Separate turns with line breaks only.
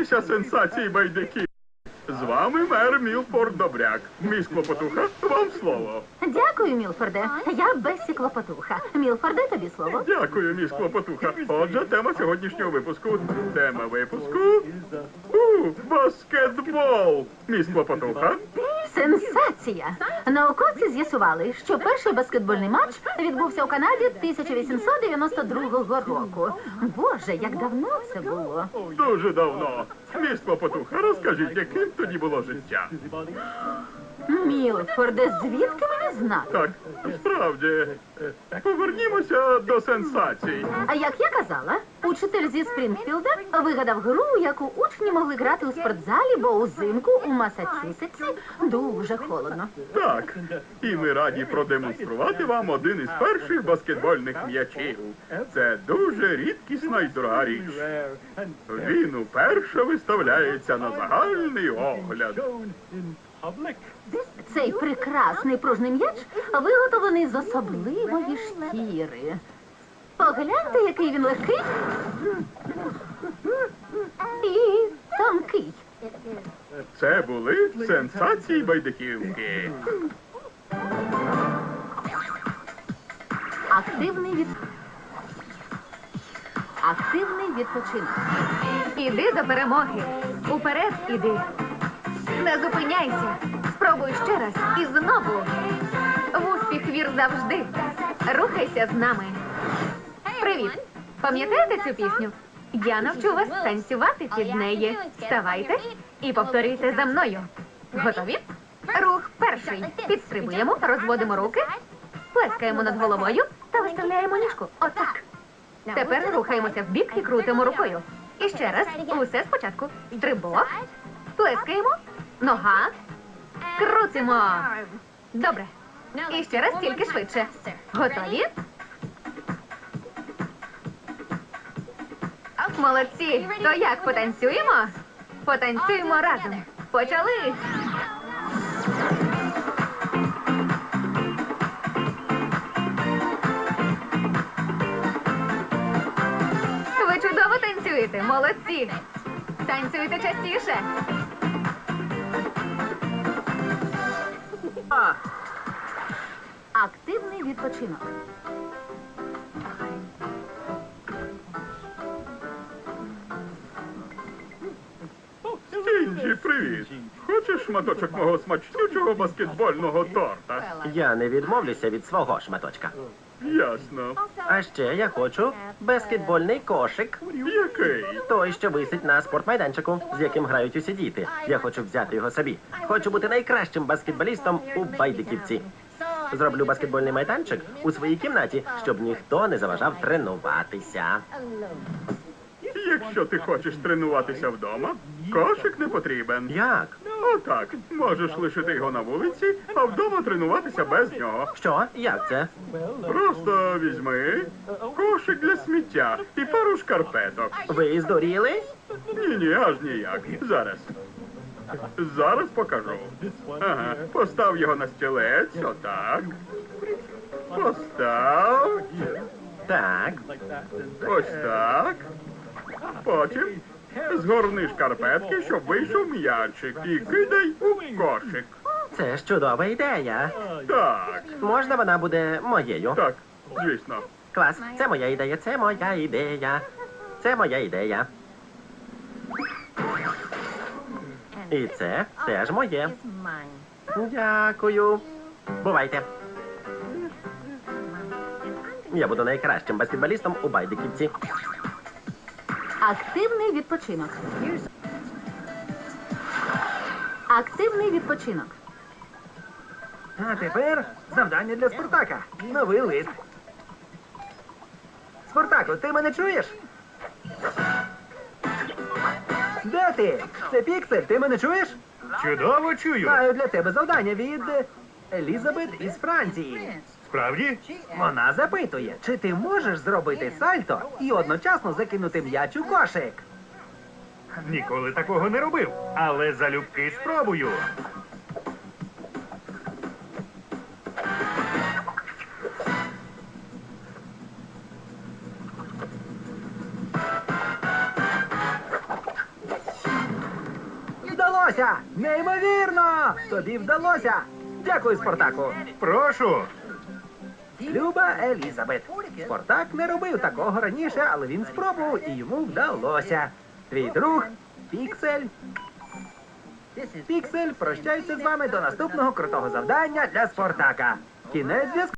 дізнатися сенсації байдиків. З вами мер Мілфорд Добряк. Міс Клопотуха, вам слово.
Дякую, Мілфорде. Я Бессі Клопотуха. Мілфорде, тобі слово.
Дякую, міс Клопотуха. Отже, тема сьогоднішнього випуску. Тема випуску... баскетбол. Міс Клопотуха.
Сенсація! Науковці з'ясували, що перший баскетбольний матч відбувся у Канаді 1892 року. Боже, як давно це було.
Дуже давно. Міс Клопотуха, розкажіть, яким тоді було життя?
Мілфорде, звідки мені знати?
Так, справді. Повернімося до сенсацій.
А як я казала, учитель зі Спрінгфілда вигадав гру, яку учні могли грати у спортзалі, бо узимку у Масачусетсі дуже холодно.
Так, і ми раді продемонструвати вам один із перших баскетбольних м'ячів. Це дуже рідкісна і дорога річ. Він уперше виставляється на загальний огляд.
Цей прекрасний пружний м'яч виготовлений з особливої шкіри. Погляньте, який він легкий і тонкий.
Це були сенсації байдиківки.
Активний відпочинок.
Іди до перемоги. Уперед іди. Не зупиняйся. Спробуй ще раз і знову. В успіх вір завжди. Рухайся з нами. Привіт. Пам'ятаєте цю пісню? Я навчу вас танцювати під неї. Вставайте і повторюйте за мною. Готові? Рух перший. Підстрибуємо, розводимо руки, плескаємо над головою та виставляємо ніжку. Отак. Тепер рухаємося вбік і крутимо рукою. І ще раз. Усе спочатку. Стрибок. Плескаємо. Нога. Крутимо. Добре. І ще раз, тільки швидше. Готові? Молодці. То як, потанцюємо? Потанцюємо разом. Почали. Ви чудово танцюєте. Молодці. Танцюйте частіше.
Активний відпочинок.
Стінджі, привіт. Хочеш шматочок мого смачнючого баскетбольного торта?
Я не відмовлюся від свого шматочка.
Ясно.
А ще я хочу баскетбольний кошик.
Який?
Той, що висить на спортмайданчику, з яким грають усі діти. Я хочу взяти його собі. Хочу бути найкращим баскетболістом у Байдиківці. Зроблю баскетбольний майданчик у своїй кімнаті, щоб ніхто не заважав тренуватися.
Якщо ти хочеш тренуватися вдома, кошик не потрібен.
Як?
Отак. Можеш лишити його на вулиці, а вдома тренуватися без нього.
Що? Як це?
Просто візьми кошик для сміття і пару шкарпеток.
Ви здуріли?
Ні, аж ніяк. Зараз. Зараз покажу. Ага. Постав його на стілець, отак. Постав.
Так.
Ось так. Потім згорни шкарпетки, щоб вийшов м'ячик. І кидай у кошик.
Це ж чудова ідея.
Так.
Можна вона буде моєю?
Так, звісно.
Клас. Це моя ідея, це моя ідея. Це моя ідея. І це теж моє. Дякую. Бувайте. Я буду найкращим баскетболістом у Байдиківці.
Активний відпочинок. Активний відпочинок.
А тепер завдання для Спартака. Новий лист. Спартаку, ти мене чуєш? Де ти? Це Піксель, ти мене чуєш?
Чудово чую.
Маю для тебе завдання від Елізабет із Франції.
Справді?
Вона запитує, чи ти можеш зробити сальто і одночасно закинути м'яч у кошик.
Ніколи такого не робив, але залюбки спробую.
вдалося! Неймовірно! Тобі вдалося! Дякую, Спартаку!
Прошу.
Люба Елізабет. Спартак не робив такого раніше, але він спробував і йому вдалося. Твій друг Піксель. Піксель прощається з вами до наступного крутого завдання для Спартака. Кінець зв'язку.